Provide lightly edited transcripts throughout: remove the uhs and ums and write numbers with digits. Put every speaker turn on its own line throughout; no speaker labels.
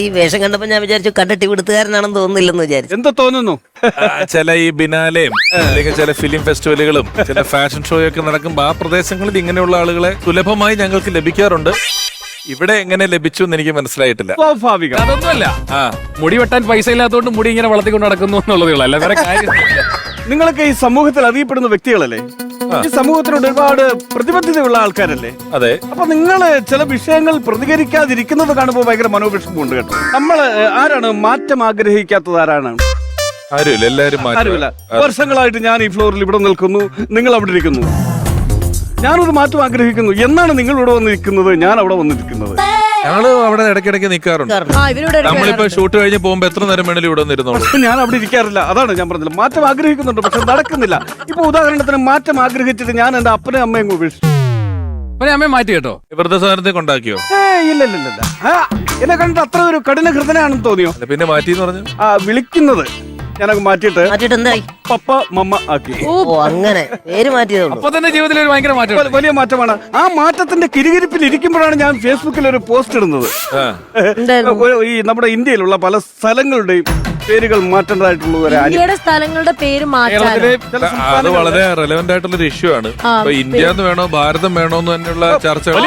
ഈ വേഷം കണ്ടപ്പോ ഞാൻ വിചാരിച്ചു കണ്ടിട്ട് വിടുത്തുകാരനാണെന്ന് തോന്നുന്നില്ലെന്ന് വിചാരിച്ചു.
എന്താ തോന്നുന്നു?
ചില ഈ ബിനാലെയും അല്ലെങ്കിൽ ചില ഫിലിം ഫെസ്റ്റിവലുകളും ചില ഫാഷൻ ഷോയൊക്കെ നടക്കുമ്പോൾ ആ പ്രദേശങ്ങളിൽ ഇങ്ങനെയുള്ള ആളുകളെ സുലഭമായി ഞങ്ങൾക്ക് ലഭിക്കാറുണ്ട്. ഇവിടെ എങ്ങനെ ലഭിച്ചു എന്ന് എനിക്ക് മനസ്സിലായിട്ടില്ല.
സ്വാഭാവികം.
അതൊന്നുമല്ല,
ആ
മുടി വെട്ടാൻ പൈസ ഇല്ലാത്തതുകൊണ്ട് മുടി ഇങ്ങനെ വളർത്തിക്കൊണ്ട് നടക്കുന്നു എന്നുള്ളതേ ഉള്ളൂ, അല്ല വേറെ കാര്യം.
നിങ്ങളൊക്കെ ഈ സമൂഹത്തിൽ അറിയപ്പെടുന്ന വ്യക്തികളല്ലേ? ഈ സമൂഹത്തിനോട് ഒരുപാട് പ്രതിബദ്ധതയുള്ള ആൾക്കാരല്ലേ?
അതെ.
അപ്പൊ നിങ്ങള് ചില വിഷയങ്ങൾ പ്രതികരിക്കാതിരിക്കുന്നത് കാണുമ്പോൾ ഭയങ്കര മനോവിഷമമുണ്ട് കേട്ടോ. നമ്മള് ആരാണ് മാറ്റം ആഗ്രഹിക്കാത്തത്? ആരാണ്?
ആരുമില്ല, എല്ലാരും
ആരുമില്ല. വർഷങ്ങളായിട്ട് ഞാൻ ഈ ഫ്ലോറിൽ ഇവിടെ നിൽക്കുന്നു, നിങ്ങൾ അവിടെ ഇരിക്കുന്നു. ഞാനൊരു മാറ്റം ആഗ്രഹിക്കുന്നു. എന്നാണ് നിങ്ങൾ ഇവിടെ വന്നിരിക്കുന്നത്, ഞാൻ അവിടെ വന്നിരിക്കുന്നത്?
ഞങ്ങള് അവിടെ ഇടയ്ക്കിടയ്ക്ക് നിൽക്കാറുണ്ട്. നമ്മളിപ്പോ ഷൂട്ട് കഴിഞ്ഞ് പോകുമ്പോ എത്ര നേരം വേണേലും ഇവിടെ വന്നിരുന്നോളൂ.
പക്ഷെ ഞാൻ അവിടെ ഇരിക്കാറില്ല. അതാണ് ഞാൻ പറഞ്ഞത്. മാറ്റം ആഗ്രഹിക്കുന്നുണ്ട്, പക്ഷെ നടക്കുന്നില്ല. ഇപ്പൊ ഉദാഹരണത്തിന് മാറ്റം ആഗ്രഹിച്ചിട്ട് ഞാൻ എന്റെ അപ്പനും അമ്മയും ഉപേക്ഷിച്ചു.
അമ്മയെ മാറ്റി കേട്ടോ.
വൃദ്ധസാധനത്തെ കൊണ്ടാക്കിയോ?
ഇല്ല ഇല്ല ഇല്ല. എന്നെ കണ്ടിട്ട് അത്ര ഒരു കഠിന ഹൃദയനാണെന്ന് തോന്നിയോ?
അല്ല, പിന്നെ മാറ്റിന്ന് പറഞ്ഞു.
വിളിക്കുന്നത് ഞാനൊക്കെ മാറ്റിയിട്ട്
എന്തായി?
പപ്പ മമ്മ ആക്കി.
ഓ, അങ്ങനെ പേര് മാറ്റിയതുള്ളൂ.
അപ്പൊ തന്നെ ജീവിതത്തിൽ ഒരു ഭയങ്കര മാറ്റം,
വലിയ മാറ്റമാണ്. ആ മാറ്റത്തിന്റെ കിരികിരിപ്പിൽ ഇരിക്കുമ്പോഴാണ് ഞാൻ ഫേസ്ബുക്കിൽ ഒരു പോസ്റ്റ് ഇടുന്നത്. ഈ നമ്മുടെ ഇന്ത്യയിലുള്ള പല സ്ഥലങ്ങളുടെയും പേരുകൾ മാറ്റേണ്ടതായിട്ടുള്ള
ഇന്ത്യയുടെ സ്ഥലങ്ങളുടെ പേര്
അത് വളരെ റെലവെന്റ് ആയിട്ടുള്ള ഒരു ഇഷ്യൂ ആണ്. ഇപ്പൊ ഇന്ത്യ എന്ന് വേണോ ഭാരതം വേണോ എന്ന് തന്നെയുള്ള ചർച്ചകൾ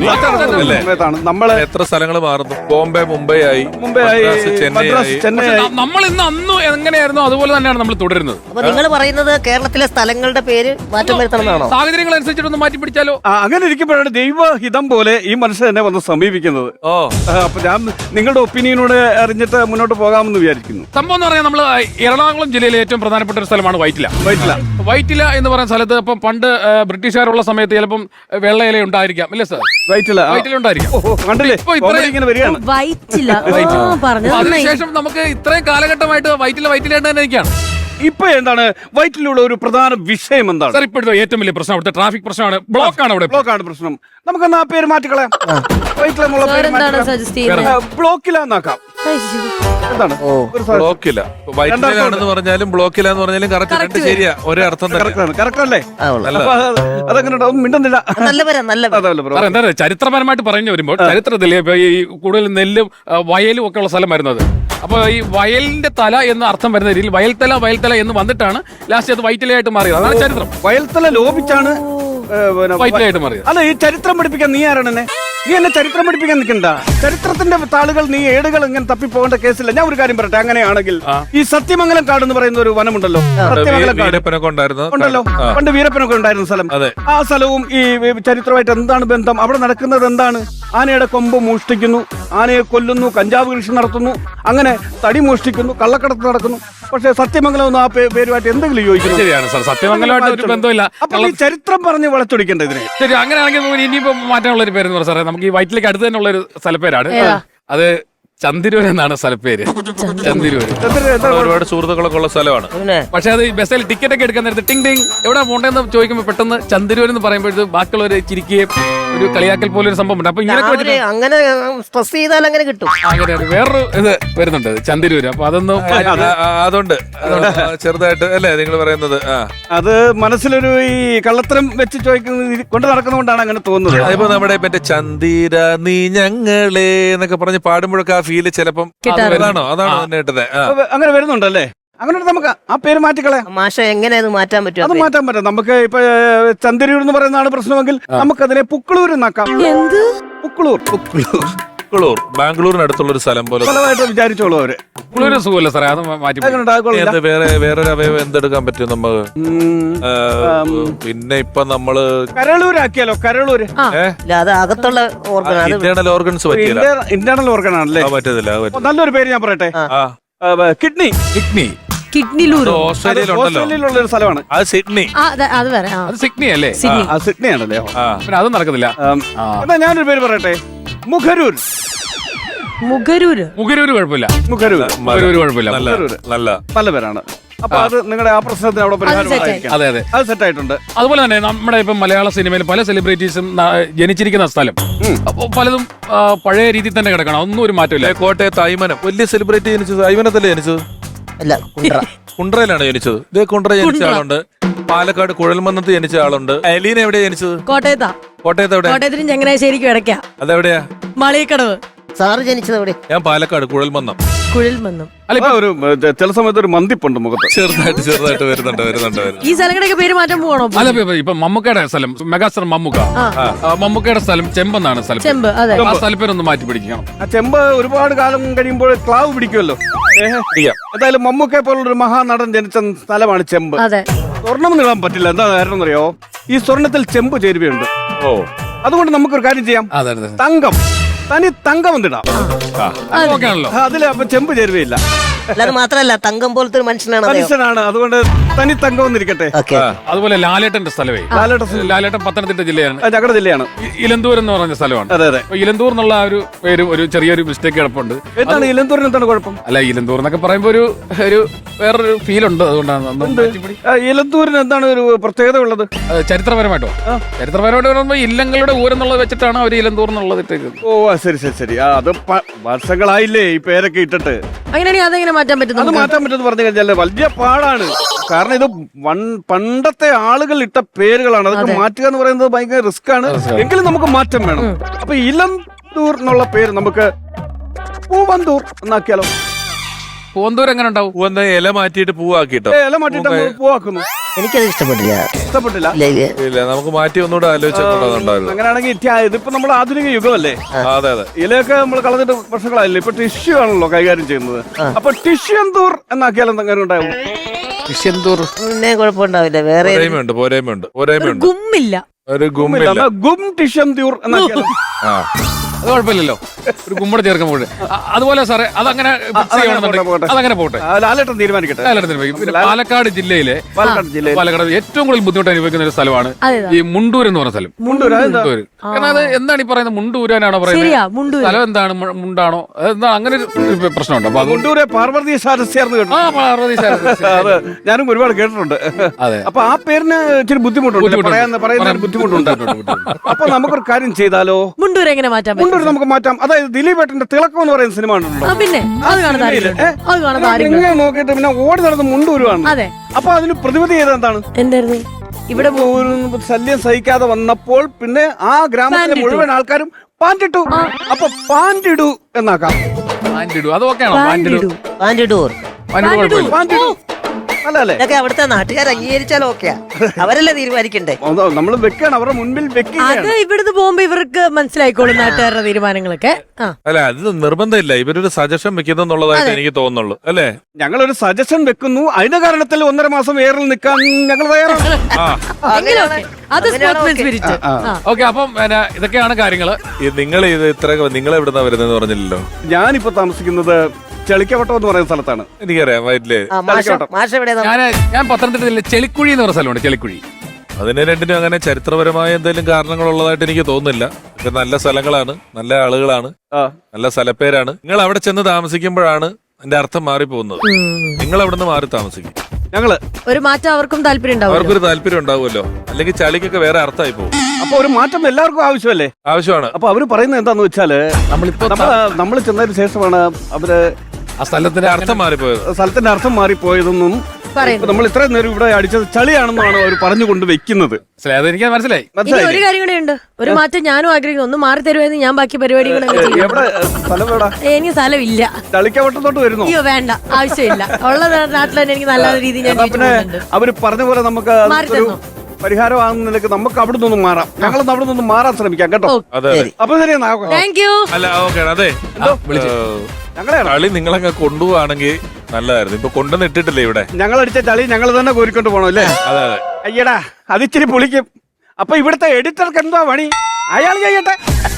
നമ്മള്
എത്ര സ്ഥലങ്ങൾ മാറുന്നു. ബോംബെ മുംബൈ ആയി, ചെന്നൈ ആയി.
നമ്മൾ ഇന്ന് അന്ന് എങ്ങനെയായിരുന്നു അതുപോലെ തന്നെയാണ് നമ്മൾ തുടരുന്നത്.
അപ്പൊ നിങ്ങൾ പറയുന്നത് കേരളത്തിലെ സ്ഥലങ്ങളുടെ പേര് മാറ്റം വരുത്തണമെന്നാണോ?
സാഹചര്യങ്ങൾ അനുസരിച്ചിട്ടൊന്ന് മാറ്റി പിടിച്ചാലോ?
അങ്ങനെ ഇരിക്കുമ്പോഴാണ് ദൈവഹിതം പോലെ ഈ മനുഷ്യൻ എന്നെ വന്ന് സമീപിക്കുന്നത്. അപ്പൊ ഞാൻ നിങ്ങളുടെ ഒപ്പീനിയനോട് അറിഞ്ഞിട്ട് മുന്നോട്ട് പോകാമെന്ന് വിചാരിക്കുന്നു.
സംഭവം എന്ന് പറഞ്ഞാൽ നമ്മള് എറണാകുളം ജില്ലയിലെ ഏറ്റവും പ്രധാനപ്പെട്ട ഒരു സ്ഥലമാണ് വൈറ്റില. വൈറ്റില എന്ന് പറയുന്ന സ്ഥലത്ത് ഇപ്പം പണ്ട് ബ്രിട്ടീഷുകാരുള്ള സമയത്ത് ചിലപ്പം വെള്ളയില ഉണ്ടായിരിക്കാം, അല്ലേ സാർ? വൈറ്റില ഉണ്ടായിരിക്കാം.
കണ്ടില്ലേ, ഇങ്ങനെ വരികയാണ്.
അതിനുശേഷം നമുക്ക് ഇത്രയും കാലഘട്ടമായിട്ട് വൈറ്റില തന്നെ നിൽക്കുകയാണ്.
ഇപ്പൊ എന്താണ് വൈറ്റിലുള്ള ഒരു പ്രധാന വിഷയം? എന്താണ്
സാർ ഇപ്പോഴത്തെ ഏറ്റവും വലിയ പ്രശ്നം? അവിടുത്തെ ട്രാഫിക് പ്രശ്നമാണ്. ബ്ലോക്കാണ് അവിടെ.
ബ്ലോക്കാണ് പ്രശ്നം. നമുക്കെന്നാ ആ പേര് മാറ്റിക്കളയാം. ബ്ലോക്കിലാന്നാക്കാം. എന്താണ്
ബ്ലോക്കില്ല, വൈറ്റിലാണെന്ന് പറഞ്ഞാലും ബ്ലോക്കില്ല എന്ന് പറഞ്ഞാലും കറക്റ്റ് ശരിയാ, ഒരേ അർത്ഥം
കറക്റ്റ് അല്ലേ? അതങ്ങനെ മിണ്ടുന്നില്ല.
എന്താ ചരിത്രപരമായിട്ട് പറഞ്ഞു വരുമ്പോൾ ചരിത്രത്തിൽ ഈ കൂടുതൽ നെല്ലും വയലും ഒക്കെ ഉള്ള സ്ഥലമായിരുന്നു അത്. അപ്പൊ ഈ വയലിന്റെ തല എന്ന അർത്ഥം വരുന്ന രീതിയിൽ വയൽത്തല എന്ന് വന്നിട്ടാണ് ലാസ്റ്റ് അത് വൈറ്റിലയായിട്ട് മാറിയത്. അതാണ് ചരിത്രം.
വയൽത്തല ലോപിച്ചാണ്
വൈറ്റിലയായിട്ട് മാറിയത്.
അല്ല, ഈ ചരിത്രം പഠിപ്പിക്കാൻ നീ ആരാണ്? നീ എന്നെ ചരിത്രം പഠിപ്പിക്കാൻ നിൽക്കണ്ട. ചരിത്രത്തിന്റെ താളുകൾ നീ ഏടുകൾ ഇങ്ങനെ തപ്പിപ്പോകേണ്ട കേസില്ല. ഞാൻ ഒരു കാര്യം പറയട്ടെ. അങ്ങനെയാണെങ്കിൽ ഈ സത്യമംഗലം കാട് എന്ന് പറയുന്ന ഒരു വനമുണ്ടല്ലോ, സത്യമംഗലം കാട് ഉണ്ടല്ലോ, പണ്ട് വീരപ്പനൊക്കെ ഉണ്ടായിരുന്ന സ്ഥലം. ആ സ്ഥലവും ഈ ചരിത്രമായിട്ട് എന്താണ് ബന്ധം? അവിടെ നടക്കുന്നത് എന്താണ്? ആനയുടെ കൊമ്പ് മോഷ്ടിക്കുന്നു, ആനയെ കൊല്ലുന്നു, കഞ്ചാവ് കൃഷി നടത്തുന്നു, അങ്ങനെ തടി മോഷ്ടിക്കുന്നു, കള്ളക്കടത്ത് നടക്കുന്നു. പക്ഷെ സത്യമംഗലം ഒന്നും ആ പേരുമായിട്ട് എന്തെങ്കിലും യോജിക്കുന്നു?
ശരിയാണ് സാർ, സത്യമംഗലമായിട്ട് ഒരു ബന്ധമില്ല.
അപ്പൊ ഈ ചരിത്രം പറഞ്ഞ് വളച്ചൊടിക്കേണ്ട ഇതിനെ.
ശരി, അങ്ങനെയാണെങ്കിൽ ഇനിയിപ്പോ മാറ്റാനുള്ള ഒരു പേരെന്ന് പറഞ്ഞാൽ നമുക്ക് ഈ വൈറ്റിലേക്ക് അടുത്ത് തന്നെ ഉള്ള ഒരു സ്ഥലപ്പേരാണ്. അത് ചന്ദിരൂർ എന്നാണ് സ്ഥലപ്പേര്. ചന്ദിരൂർ
ഒരുപാട് സുഹൃത്തുക്കളൊക്കെ ഉള്ള സ്ഥലമാണ്.
പക്ഷെ അത് ബസ്സിൽ ടിക്കറ്റ് ഒക്കെ എടുക്കാൻ നേരത്തെ ടിങ് ടിങ് എവിടെ പോണ്ടെന്ന് ചോദിക്കുമ്പോൾ പെട്ടെന്ന് ചന്ദിരൂർ എന്ന് പറയുമ്പോഴത്തേക്ക് ബാക്കിയുള്ളവര് ചിരിക്കുകയും ഒരു കളിയാക്കൽ പോലെ ഒരു സംഭവം ഉണ്ട്. അപ്പൊ ഇങ്ങനെ
അങ്ങനെ സ്ട്രെസ് ചെയ്താൽ അങ്ങനെ കിട്ടും.
അങ്ങനെയാണ് വേറൊരു ഇത് വരുന്നുണ്ട് ചന്ദിരൂര്. അപ്പൊ അതൊന്നും
അതുകൊണ്ട് ചെറുതായിട്ട് അല്ലേ നിങ്ങൾ പറയുന്നത്?
അത് മനസ്സിലൊരു ഈ കള്ളത്തരം വെച്ച് ചോദിക്കുന്നത് കൊണ്ട് നടക്കുന്നതുകൊണ്ടാണ് അങ്ങനെ തോന്നുന്നത്.
അതിപ്പോ നമ്മുടെ മറ്റേ ചന്ദിര നീ ഞങ്ങളെ എന്നൊക്കെ പറഞ്ഞ് പാടുമ്പോഴൊക്കെ ആ ഫീല് ചിലപ്പം അതാണോ കേട്ടത്?
അങ്ങനെ വരുന്നുണ്ടല്ലേ? അങ്ങനെ നമുക്ക് ആ പേര് മാറ്റിക്കളയാം.
മാഷ എങ്ങനെ അത് മാറ്റാൻ പറ്റും?
അത് മാറ്റാൻ പറ്റും. നമുക്ക് ഇപ്പൊ ചന്ദിരൂർ എന്ന് പറയുന്നതാണ് പ്രശ്നമെങ്കിൽ നമുക്കതിനെ പുക്കളൂർ എന്നാക്കാം. പുക്കളൂർ
ബാംഗ്ലൂരിനടുത്തുള്ള ഒരു സ്ഥലം പോലെ
സ്ഥലമായിട്ട് വിചാരിച്ചോളൂ അവര്.
സുഖമല്ല സാറേ, അത് മാറ്റി
വേറൊരു അവയവം എന്തെടുക്കാൻ പറ്റും നമുക്ക്? പിന്നെ ഇപ്പൊ നമ്മള്
കരളൂരാക്കിയാലോ? കരളൂര്
അത് അകത്തുള്ള
ഇന്റേണൽ ഓർഗൻസ് പറ്റില്ല.
ഇന്റേണൽ ഓർഗൻ ആണല്ലേ?
പറ്റത്തില്ല.
നല്ലൊരു പേര് ഞാൻ പറയട്ടെ. കിഡ്നി.
ഓസ്ട്രേലിയയിലുള്ള
ഒരു സ്ഥലമാണ്
അത്. സിഡ്നി.
അത് സിഡ്നി അല്ലേ?
സിഡ്നി ആണല്ലേ?
പിന്നെ അത് നടക്കത്തില്ല.
എന്നാ ഞാനൊരു പേര് പറയട്ടെ. മുഖരൂർ.
കുഴപ്പമില്ല.
മുഖരൂർ
കുഴപ്പമില്ല.
നല്ല പേരാണ്. അപ്പൊ അത് നിങ്ങളുടെ ആ പ്രശ്നത്തിന് അവിടെ പരിഹാരം.
അതെ
അത് സെറ്റ് ആയിട്ടുണ്ട്.
അതുപോലെ തന്നെ നമ്മുടെ ഇപ്പം മലയാള സിനിമയിൽ പല സെലിബ്രിറ്റീസും ജനിച്ചിരിക്കുന്ന സ്ഥലം അപ്പൊ പലതും പഴയ രീതിയിൽ തന്നെ കിടക്കണം. ഒന്നും ഒരു മാറ്റമില്ല.
കോട്ടയത്ത് അയ്മനം വലിയ സെലിബ്രിറ്റി ജനിച്ചത് അയ്മനത്തല്ലേ ജനിച്ചത്?
അല്ല,
കുണ്ട്രയിലാണ് ജനിച്ചത്. ഇതേ കുണ്ട്ര ജനിച്ച ആളുണ്ട്. പാലക്കാട് കുഴൽമന്നത്ത് ജനിച്ച ആളുണ്ട്. അലീന എവിടെയാ ജനിച്ചത്?
കോട്ടയത്ത്.
എവിടെ?
കോട്ടയത്തിന് ചങ്ങനാശ്ശേരിക്കും ഇടയ്ക്കാ.
അതെവിടെയാ?
മളിയക്കടവ്.
സാറ് ജനിച്ചത് എവിടെ?
ഞാൻ പാലക്കാട് കുഴൽമന്നം.
കുഴൽമന്നം.
അല്ല ഇപ്പൊ
ഒരു ചില സമയത്ത് ഒരു മന്തിപ്പുണ്ട് മുഖത്ത്.
ചെറുതായിട്ട് വരുന്നുണ്ട്.
ഈ സ്ഥലങ്ങളുടെയൊക്കെ പേര് മാറ്റാൻ പോകണോ?
അല്ല ഇപ്പൊ മമ്മൂക്കയുടെ സ്ഥലം മെഗാസ്റ്റർ മമ്മൂക്ക, മമ്മൂക്കയുടെ സ്ഥലം ചെമ്പെന്നാണ് സ്ഥലം.
ചെമ്പ്, അതെ.
ആ സ്ഥലപ്പേരൊന്ന് മാറ്റി പിടിക്കണം.
ആ ചെമ്പ് ഒരുപാട് കാലം കഴിയുമ്പോൾ ക്ലാവ് പിടിക്കുമല്ലോ. എന്തായാലും മമ്മൂക്കെ പോലുള്ളൊരു മഹാനടൻ ജനിച്ച സ്ഥലമാണ് ചെമ്പ്.
അതെ.
സ്വർണം നീളാൻ പറ്റില്ല. എന്താ കാരണം എന്നറിയോ? ഈ സ്വർണത്തിൽ ചെമ്പ് ചേരുവയുണ്ട്.
ഓ,
അതുകൊണ്ട് നമുക്കൊരു കാര്യം ചെയ്യാം.
അതെ
തങ്കം, തനി തങ്കം എന്തിടാം.
ഓക്കെയാണല്ലോ.
അതില് അപ്പൊ ചെമ്പ് ചേരുവയില്ല.
അല്ല, അത് മാത്രല്ല തങ്കം പോലത്തെ ഒരു മനുഷ്യനാണ് അദ്ദേഹം.
മനുഷ്യനാണ്. അതുകൊണ്ട് തനി തങ്കം എന്നിരിക്കട്ടെ.
ഓക്കെ.
അതുപോലെ ലാലേട്ടന്റെ സ്ഥലമേ, ലാലേട്ടൻ പത്തനംതിട്ട ജില്ലയാണ്,
ഞങ്ങളുടെ ജില്ലയാണ്.
ഇലന്തൂർ എന്ന് പറഞ്ഞ സ്ഥലമാണ്.
അതെ അതെ.
അപ്പൊ ഇലന്തൂർ എന്നുള്ള ആ ഒരു പേര് ഒരു ചെറിയൊരു മിസ്റ്റേക്ക് കിടപ്പുണ്ട്.
എന്താണ് ഇലന്തൂരിന് എന്താണ് കുഴപ്പം?
അല്ല ഇലന്തൂർ എന്നൊക്കെ പറയുമ്പോ ഒരു വേറൊരു ഫീൽ ഉണ്ട്, അതുകൊണ്ടാണ് ഒന്ന് മാറ്റിപ്പിടി.
ഇലന്തൂരിന് എന്താണ് ഒരു പ്രത്യേകത ഉള്ളത്?
ചരിത്രപരമായിട്ടോ? ചരിത്രപരമായിട്ട് പറയുമ്പോ ഇല്ലങ്ങളുടെ ഊരെന്നുള്ളത് വെച്ചിട്ടാണ് അവർ ഇലന്തൂർ എന്നുള്ളത് ഇട്ടേക്കുന്നത്.
ഓ ശരി. അത് വർഷങ്ങളായില്ലേ ഈ പേരൊക്കെ ഇട്ടിട്ട്.
അങ്ങനെയാണെങ്കിൽ അതെങ്ങനെ മാറ്റാൻ പറ്റും?
അത് മാറ്റാൻ പറ്റുമെന്ന് പറഞ്ഞു കഴിഞ്ഞാൽ വലിയ പാടാണ്. കാരണം ഇത് പണ്ടത്തെ ആളുകൾ ഇട്ട പേരുകളാണ്. അതൊക്കെ മാറ്റുക എന്ന് പറയുന്നത് ഭയങ്കര റിസ്ക് ആണ്. എങ്കിലും നമുക്ക് മാറ്റം വേണം. അപ്പൊ ഇലന്തൂർ എന്നുള്ള പേര് നമുക്ക് പൂവന്തൂർ എന്നാക്കിയാലോ?
പൂവന്തൂർ എങ്ങനെ ഉണ്ടാവും?
പൂവെന്ന ഇല മാറ്റിയിട്ട് പൂവാക്കിട്ടോ?
ഇല മാറ്റിട്ട് നമ്മൾ പൂവാക്കുന്നു.
എനിക്കത് ഇഷ്ടപ്പെട്ടില്ല.
ഇഷ്ടപ്പെട്ടില്ല.
ഇല്ല, നമുക്ക് മാറ്റി ഒന്നുകൂടെ ആലോചിച്ചിട്ടുണ്ടായിരുന്നു.
അങ്ങനെയാണെങ്കിൽ ഇതിപ്പോ നമ്മൾ ആധുനിക യുഗമല്ലേ?
അതെ അതെ.
ഇലയൊക്കെ നമ്മൾ കളഞ്ഞിട്ട് വർഷങ്ങളായില്ലേ. ഇപ്പൊ ടിഷ്യൂ ആണല്ലോ കൈകാര്യം ചെയ്യുന്നത്. അപ്പൊ ടിഷ്യന്തൂർ എന്നാക്കിയാൽ എന്തെങ്കിലും ഉണ്ടാവും?
ടിഷ്യന്തൂർ
പിന്നെ കുഴപ്പമുണ്ടാവില്ല. വേറെ
പോരായ്മയുണ്ട്.
ഗുമ്മില്ല.
ഒരു ഗുമ്മില്ല.
ഗും ടിഷ്യന്തൂർ എന്നാക്കിയാലോ?
അത് കുഴപ്പമില്ലല്ലോ, ഒരു കുമ്മട ചേർക്കുമ്പോൾ. അതുപോലെ സാറേ അതങ്ങനെ അതങ്ങനെ പോട്ടെ.
ലാലേട്ടൻ തീരുമാനിക്കട്ടെ.
പിന്നെ പാലക്കാട് ജില്ലയിലെ പാലക്കാട് ഏറ്റവും കൂടുതൽ ബുദ്ധിമുട്ട് അനുഭവിക്കുന്ന ഒരു സ്ഥലമാണ് ഈ മുണ്ടൂർ എന്ന് പറഞ്ഞ സ്ഥലം.
മുണ്ടൂർ.
കാരണം അത് എന്താണ് ഈ പറയുന്നത്? മുണ്ടൂരാനാണോ പറയുന്നത്? സ്ഥലം എന്താണ്? മുണ്ടാണോ? എന്താ അങ്ങനെ ഒരു പ്രശ്നമുണ്ട്. അപ്പൊ
മുണ്ടൂരെ പാർവതി സാരസ്യാർന്ന് കേട്ടോ. അത് ഞാനും ഒരുപാട് കേട്ടിട്ടുണ്ട്.
അതെ.
അപ്പൊ ആ പേരിന് ഇച്ചിരി ബുദ്ധിമുട്ടുണ്ട്, പറയുന്ന ബുദ്ധിമുട്ടുണ്ട്. അപ്പൊ നമുക്കൊരു കാര്യം ചെയ്താലോ?
മുണ്ടൂർ എങ്ങനെ മാറ്റാൻ പറ്റും?
മുണ്ടൂർ നമുക്ക് മാറ്റാം. അതായത് ദിലീപേട്ടന്റെ തിളക്കം എന്ന് പറയുന്ന സിനിമ ഉണ്ടല്ലോ.
പിന്നെ അത് കാണാൻ
ഇങ്ങനെ നോക്കിയിട്ട് പിന്നെ ഓടി നടന്ന് മുണ്ടൂരുവാണ്.
അതെ.
അപ്പൊ അതിന് പ്രതിവിധി ചെയ്ത എന്താണ്?
എന്തായിരുന്നു? ഇവിടെ
ഒരു ശല്യം സഹിക്കാതെ വന്നപ്പോൾ പിന്നെ ആ ഗ്രാമത്തിലെ മുഴുവൻ ആൾക്കാരും പാൻറ്റിട്ടു. അപ്പൊ പാൻറ്റിടു എന്നാക്കാം.
അതൊക്കെയാണോ?
പാൻറ്റിടു അല്ലേ?
ഇതൊക്കെ അവിടുത്തെ നാട്ടുകാർ അംഗീകരിച്ചാലും ഓക്കെയാ. അവരല്ലേ തീരുമാനിക്കണ്ടേ?
നമ്മൾ വെക്കാണ്, അവരുടെ മുൻപിൽ വെക്കുകയാണ്.
അത് ഇവിടുന്ന് പോകുമ്പോ ഇവർക്ക് മനസ്സിലായിക്കോളും നാട്ടുകാരുടെ തീരുമാനങ്ങളൊക്കെ.
അല്ല, അത് നിർബന്ധമില്ല. ഇവരൊരു സജഷൻ വെക്കുന്നുള്ളതായിട്ട് എനിക്ക് തോന്നുന്നുള്ളൂ, അല്ലേ?
ഞങ്ങളൊരു സജഷൻ വെക്കുന്നു. അതിന്റെ കാരണത്തിൽ 1.5 മാസം എയറിൽ നിൽക്കാൻ ഞങ്ങൾ തയ്യാറാണ്.
അത് സ്പോർട്സ്മാൻ സ്പിരിറ്റ്.
ഓക്കെ. അപ്പം ഇതൊക്കെയാണ് കാര്യങ്ങള്.
നിങ്ങൾ നിങ്ങൾ എവിടുന്നാ വരുന്നതെന്ന് പറഞ്ഞില്ലല്ലോ.
ഞാനിപ്പോ താമസിക്കുന്നത് ചെളിക്കവട്ടം എന്ന് പറയുന്ന സ്ഥലത്താണ്.
എനിക്കറിയാം, വയറ്റില്.
ഞാൻ പത്തനംതിട്ട ജില്ലയിലെ ചെളിക്കുഴി എന്ന് പറയുന്ന സ്ഥലമുണ്ട്. ചെളിക്കുഴി.
അതിന് രണ്ടിനും അങ്ങനെ ചരിത്രപരമായ എന്തെങ്കിലും കാരണങ്ങളുള്ളതായിട്ട് എനിക്ക് തോന്നുന്നില്ല. ഇത് നല്ല സ്ഥലങ്ങളാണ്, നല്ല ആളുകളാണ്, നല്ല സ്ഥലപ്പേരാണ്. നിങ്ങൾ അവിടെ ചെന്ന് താമസിക്കുമ്പോഴാണ് അതിന്റെ അർത്ഥം മാറിപ്പോകുന്നത്. നിങ്ങൾ അവിടെ നിന്ന് മാറി താമസിക്കും.
ഞങ്ങള്
ഒരു മാറ്റം അവർക്കും താല്പര്യം ഉണ്ടാവും.
അവർക്കൊരു താല്പര്യം ഉണ്ടാവുമല്ലോ. അല്ലെങ്കിൽ ചളിക്കൊക്കെ വേറെ അർത്ഥമായി പോകും.
അപ്പൊ ഒരു മാറ്റം എല്ലാവർക്കും ആവശ്യമല്ലേ?
ആവശ്യമാണ്.
അപ്പൊ അവര് പറയുന്നത് എന്താന്ന് വെച്ചാല് നമ്മൾ ചെന്നതിന് ശേഷമാണ് അവര്
ആ സ്ഥലത്തിന്റെ അർത്ഥം
മാറിപ്പോയത്.
സ്ഥലത്തിന്റെ അർത്ഥം മാറിപ്പോയതെന്നും നമ്മൾ ഇത്രയും നേരം ഇവിടെ അടിച്ചത് ചളിയാണെന്നാണ് അവർ പറഞ്ഞുകൊണ്ട് വെക്കുന്നത്.
എനിക്ക് മനസ്സിലായി.
ഇനി ഒരു കാര്യം കൂടെ ഉണ്ട്. ഒരു മാറ്റം ഞാനും ആഗ്രഹിക്കുന്നു. ഒന്ന് മാറി തരുമായിരുന്നു, ഞാൻ ബാക്കി പരിപാടികളൊക്കെ ചെയ്യും. എനിക്ക് സ്ഥലമില്ല.
ചളിക്കവട്ടത്തോട്ട് വരുന്നു.
അയ്യോ വേണ്ട, ആവശ്യമില്ല. ഉള്ള നാട്ടിൽ തന്നെ എനിക്ക് നല്ല രീതിയിൽ ഞാൻ
പിന്നെ അവര് പറഞ്ഞ പോലെ നമുക്ക് പരിഹാരമാകുന്ന നിലക്ക് നമുക്ക് അവിടെ നിന്നും മാറാം. ഞങ്ങൾ അവിടെ നിന്നും മാറാൻ ശ്രമിക്കാം കേട്ടോ. അപ്പൊ ശരിയെന്നാ.
Thank you.
അല്ല ഓക്കെ. അതെ, കളി നിങ്ങളങ്ങ് കൊണ്ടുപോവാണെങ്കിൽ നല്ലതായിരുന്നു. ഇപ്പൊ കൊണ്ടുവന്ന് ഇട്ടിട്ടില്ലേ ഇവിടെ?
ഞങ്ങൾ അടിച്ച ചളി ഞങ്ങൾ തന്നെ കോരിക്കൊണ്ട് പോകണം അല്ലേ?
അതെ അതെ.
അയ്യടാ, അതിച്ചിരി പൊളിക്കും. അപ്പൊ ഇവിടുത്തെ എഡിറ്റർക്ക് എന്താ പണി? അയാൾ ചെയ്യട്ടെ.